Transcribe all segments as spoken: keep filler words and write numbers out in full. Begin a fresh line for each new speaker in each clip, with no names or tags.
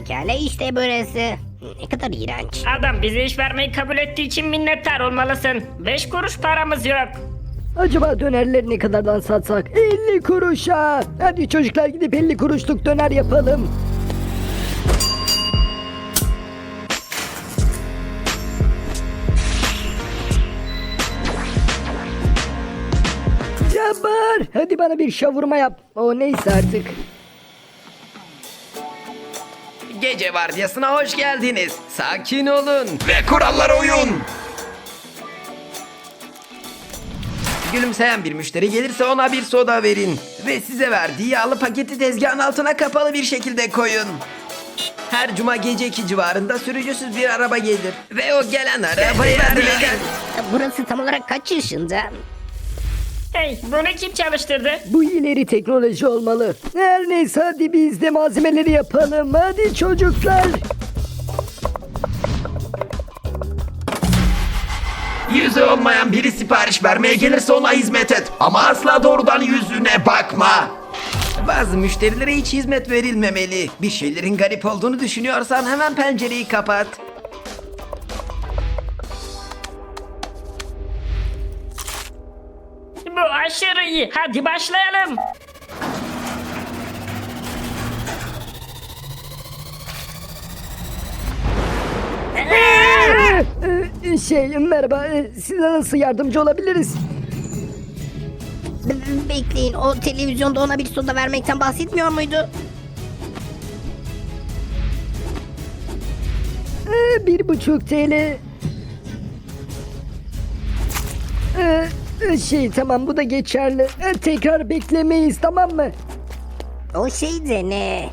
Pekala işte burası. Ne kadar iğrenç.
Adam bize iş vermeyi kabul ettiği için minnettar olmalısın. Beş kuruş paramız yok.
Acaba dönerleri ne kadardan satsak? elli kuruşa. Hadi çocuklar gidip elli kuruşluk döner yapalım. Cabbar, hadi bana bir şavurma yap. O neyse artık.
Gece vardiyasına hoş geldiniz. Sakin olun ve kurallara uyun. Gülümseyen bir müşteri gelirse ona bir soda verin. Ve size verdiği yağlı paketi tezgahın altına kapalı bir şekilde koyun. Her cuma gece iki civarında sürücüsüz bir araba gelir. Ve o gelen arabayı verin.
Burası tam olarak kaç yaşında?
Hey, bunu kim çalıştırdı?
Bu ileri teknoloji olmalı. Her neyse hadi biz de malzemeleri yapalım. Hadi çocuklar.
Yüzü olmayan biri sipariş vermeye gelirse ona hizmet et. Ama asla doğrudan yüzüne bakma. Bazı müşterilere hiç hizmet verilmemeli. Bir şeylerin garip olduğunu düşünüyorsan hemen pencereyi kapat.
Bu aşırı iyi. Hadi başlayalım.
Ee, Şey merhaba, ee, size nasıl yardımcı olabiliriz?
B- Bekleyin, o televizyonda ona bir soda vermekten bahsetmiyor muydu?
Ee, bir buçuk T L. Ee, şey tamam bu da geçerli. Ee, tekrar beklemeyiz tamam mı?
O şey de ne?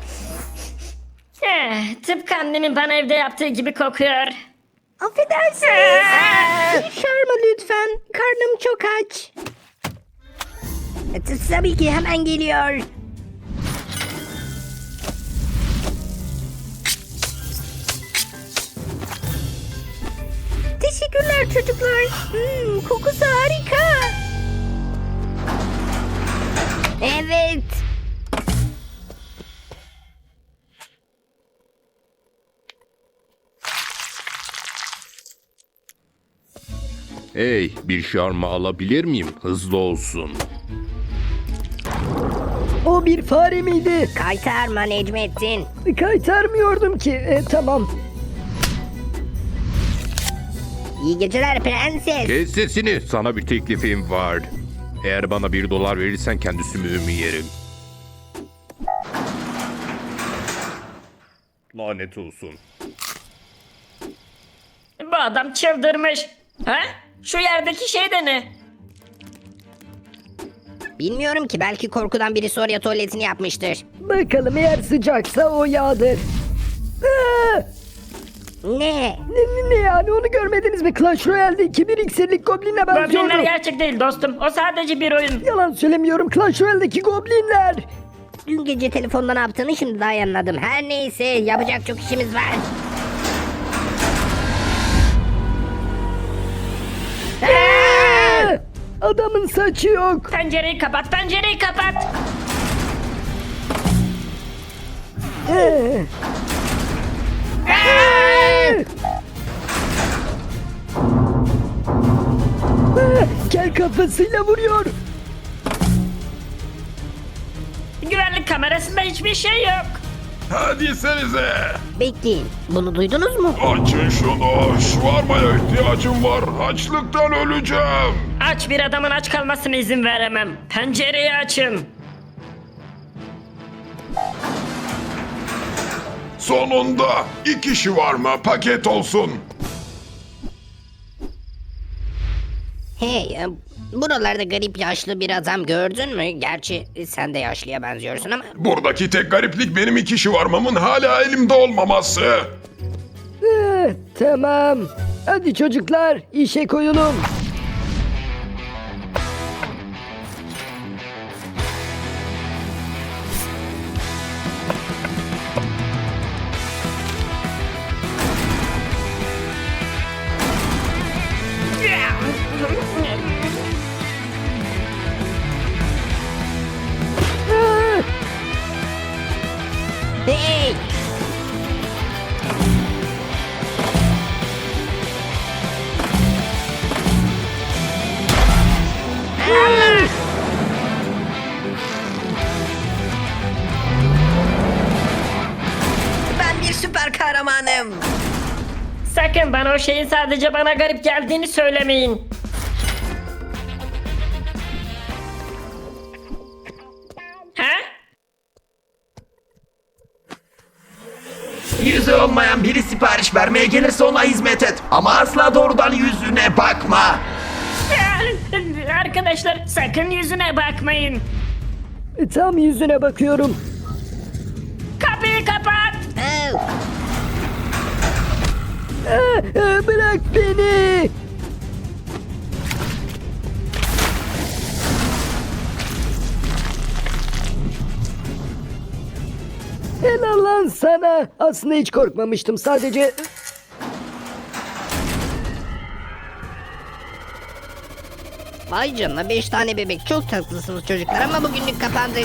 Eh, tıpkı annemin bana evde yaptığı gibi kokuyor.
Affedersiniz. Şarma lütfen. Karnım çok aç. E, t- Tabii ki hemen geliyor. Teşekkürler çocuklar. Hmm, kokusu harika. Evet.
Hey, bir şarma alabilir miyim? Hızlı olsun.
O bir fare miydi?
Kaytarma Necmettin.
Kaytarmıyordum ki. Ee, tamam.
İyi geceler prenses.
Kes sesini, sana bir teklifim var. Eğer bana bir dolar verirsen kendi sümüğümü yerim. Lanet olsun.
Bu adam çıldırmış. Ha? Şu yerdeki şey de ne?
Bilmiyorum ki, belki korkudan birisi oraya tuvaletini yapmıştır.
Bakalım eğer sıcaksa o yağdır. Aa!
Ne?
Ne, ne, ne yani onu görmediniz mi? Clash Royale'deki bir iksirlik goblinle benziyordu.
Goblinler gerçek değil dostum. O sadece bir oyun.
Yalan söylemiyorum, Clash Royale'deki goblinler.
Dün gece telefonda ne yaptığını şimdi daha iyi anladım. Her neyse, yapacak çok işimiz var.
Aa! Adamın saçı yok.
Pencereyi kapat, pencereyi kapat.
Ee. Ee! Aa, Kel kafasıyla vuruyor.
Güvenlik kamerasında hiçbir şey yok.
Hadi senize.
Bekleyin, bunu duydunuz mu?
Açın şunu. Şvarmaya ihtiyacım var. Açlıktan öleceğim.
Aç bir adamın aç kalmasına izin veremem. Pencereyi açın.
Sonunda iki şvarma paket olsun.
Hey, e, buralarda garip yaşlı bir adam gördün mü? Gerçi e, sen de yaşlıya benziyorsun ama...
Buradaki tek gariplik benim iki şvarmamın hala elimde olmaması.
Ee, tamam. Hadi çocuklar işe koyulun. Aa!
Hey!
sakın bana o şeyin sadece bana garip geldiğini söylemeyin. Ha?
Yüzü olmayan biri sipariş vermeye gelirse ona hizmet et. Ama asla doğrudan yüzüne bakma.
Arkadaşlar sakın yüzüne bakmayın.
E, tam yüzüne bakıyorum.
Kapıyı kapat.
Oh,
Aa, aa, bırak beni. Helal lan sana. Aslında hiç korkmamıştım. Sadece...
vay canına beş tane bebek. Çok tatlısınız çocuklar ama bugünlük kapandık.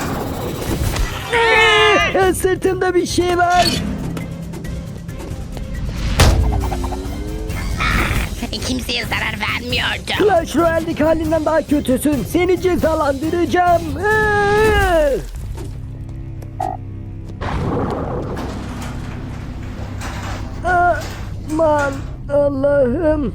Aa, sırtımda bir şey var.
Kimseye zarar vermiyordu.
Clash Royale'deki halinden daha kötüsün. Seni cezalandıracağım. Aa! Aman Allah'ım.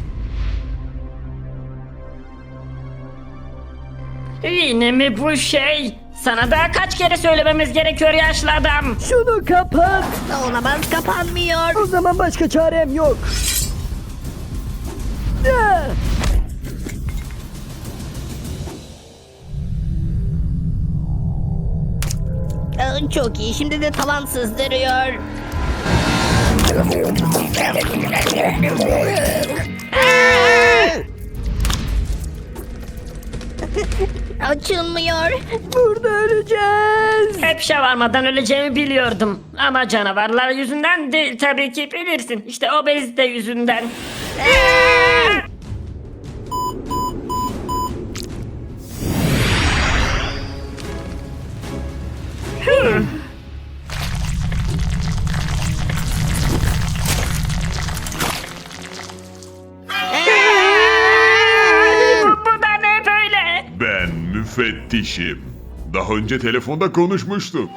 Yine mi bu şey? Sana daha kaç kere söylememiz gerekiyor yaşlı adam?
Şunu kapat.
Olamaz, kapanmıyor.
O zaman başka çarem yok. Aa!
Aa, çok iyi. Şimdi de tavan sızdırıyor. Açılmıyor.
Burada öleceğiz.
Hep şavarmadan öleceğimi biliyordum. Ama canavarlar yüzünden değil tabii ki bilirsin. İşte obezite yüzünden. bu, bu da ne böyle?
Ben müfettişim. Daha önce telefonda konuşmuştuk.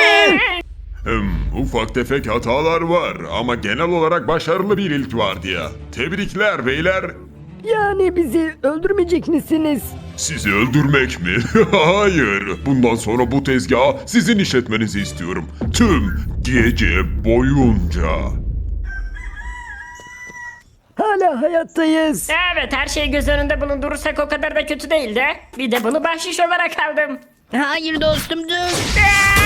Hmm, ufak tefek hatalar var ama genel olarak başarılı bir ilk vardı ya. Tebrikler beyler.
Yani bizi öldürmeyecek misiniz?
Sizi öldürmek mi? Hayır. Bundan sonra bu tezgahı sizin işletmenizi istiyorum. Tüm gece boyunca.
Hala hayattayız.
Evet, her şeyi göz önünde bulundurursak o kadar da kötü değil de. Bir de bunu bahşiş olarak aldım.
Hayır dostum dur.
Aa!